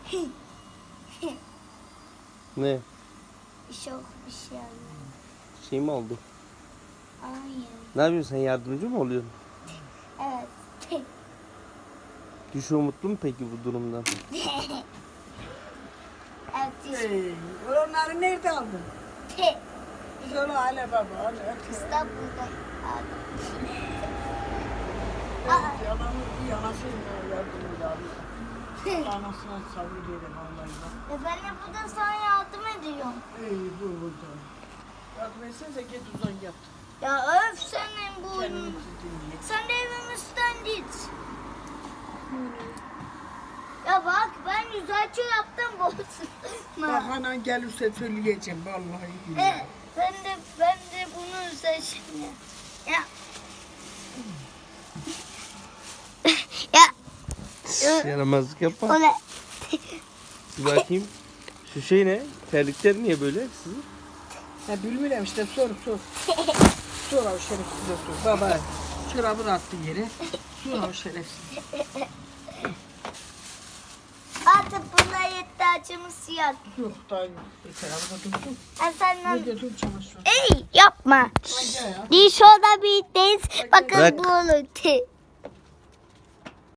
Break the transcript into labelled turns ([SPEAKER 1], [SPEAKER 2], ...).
[SPEAKER 1] Ne?
[SPEAKER 2] Çok bir şey anlamadım.
[SPEAKER 1] Şey mi oldu?
[SPEAKER 2] Hayır.
[SPEAKER 1] Ne yapıyorsun sen, yardımcı mı oluyorsun?
[SPEAKER 2] Evet.
[SPEAKER 1] Düşü mutlu mu peki bu durumdan?
[SPEAKER 2] Evet.
[SPEAKER 3] Hey, onları nerede aldın? Söyle hele baba, hele.
[SPEAKER 2] İstanbul'da aldım.
[SPEAKER 3] Yalanı bir yanasıyla yardımcı aldım. Anasına sabır dedim vallahi bak.
[SPEAKER 2] Ben de burada sana yardım ediyorum.
[SPEAKER 3] Ey dur burada. Yardım etsenize git uzan yat.
[SPEAKER 2] Ya öf senin bu.
[SPEAKER 3] Kendini dinle.
[SPEAKER 2] Sen de evimizden git. Ya bak ben güzelce yaptım bolsun.
[SPEAKER 3] Bak anan gelirse söyleyeceğim vallahi billahi.
[SPEAKER 2] Ben de bunu seçtim. Ya. Ya.
[SPEAKER 1] Yaramazlık yapma.
[SPEAKER 2] O ne?
[SPEAKER 1] Bir bakayım. Şu şey ne? Terlikler niye böyle sizin?
[SPEAKER 3] Ya bilmiyorum işte sor. Sor o şerefsize sor. Baba çorabını attı yere. Sor o şerefsiz.
[SPEAKER 2] Artık buna yetti acımız yok.
[SPEAKER 3] Yok daha yok. Yeter araba dursun.
[SPEAKER 2] Senden...
[SPEAKER 3] Ne dedim çamaşır.
[SPEAKER 2] Ey yapma.
[SPEAKER 3] Hadi ya.
[SPEAKER 2] Bir şurada bir deniz. Bakın
[SPEAKER 1] Bırak.
[SPEAKER 2] bu olur.